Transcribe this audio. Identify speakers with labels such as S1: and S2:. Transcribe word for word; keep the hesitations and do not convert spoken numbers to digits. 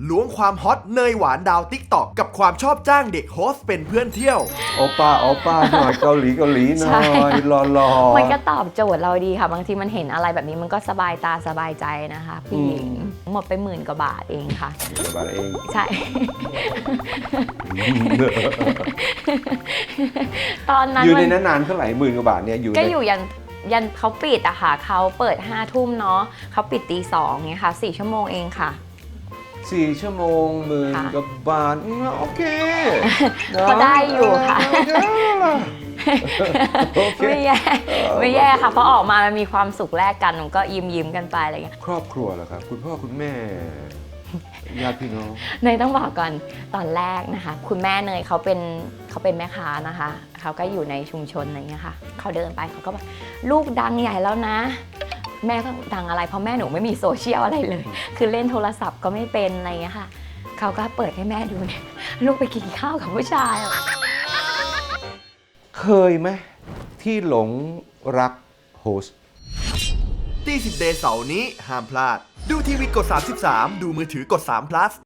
S1: ล้วงความฮอตเนยหวานดาวติ๊กต็อกกับความชอบจ้างเด็กโฮสต์เป็นเพื่อนเที่ยว
S2: โอป้าโอป้าหน่อยเกาหลีเกาหลีหน่อยรอรอ
S3: มันก็ตอบโจทย์เราดีค่ะบางทีมันเห็นอะไรแบบนี้มันก็สบายตาสบายใจนะคะผู้หญิงหมดไปหมื่นกว่าบาทเองค่ะ
S2: บาทเอง
S3: ใช่ ตอนนั้น
S2: อยู่ใน
S3: มัน
S2: นั้นนานเท่าไหร่หมื่นกว่าบาทเนี่ยอยู่
S3: ก็
S2: ใน
S3: อยู่ยันยันเขาปิดอะค่ะเขาเปิดห้าทุ่มเนาะเขาปิดตีสองเงี้ยค่ะสี่ชั่วโมงเองค่ะ
S2: สี่ชั่วโมงหมื่น
S3: ค่ะ
S2: กว่าบาทอืมโอเค
S3: ก็ได้อยู่ค่ะ
S2: โอเค
S3: ไม่แย่ไม่แย่ค่ะเพราะออกมามันมีความสุขแลกกันมันก็ยิ้มยิ้มๆกันไปอะไรเงี้ย
S2: ครอบครัวเหรอครับคุณพ่อคุณแม่ญาติพี่น้อง
S3: เนยต้องบอกก่อนตอนแรกนะคะ คุณแม่เนยเขาเป็นเขาเป็นแม่ค้านะคะเขาก็อยู่ในชุมชนอะไรเงี้ยค่ะเขาเดินไปเขาก็บอกลูกดังใหญ่แล้วนะ แม่ก็ดังอะไรเพราะแม่หนูไม่มีโซเชียลอะไรเลย คือเล่นโทรศัพท์ก็ไม่เป็นอะไรเงี้ยค่ะเขาก็เปิดให้แม่ดูเนี่ยลูกไปกินข้าวกับผู้ชายอะ
S2: เคยไหมที่หลงรักโฮสต์
S1: ตีสิบเดย์เสาร์นี้ห้ามพลาด ดูทีวีกดสามสิบสามดูมือถือกดสาม plus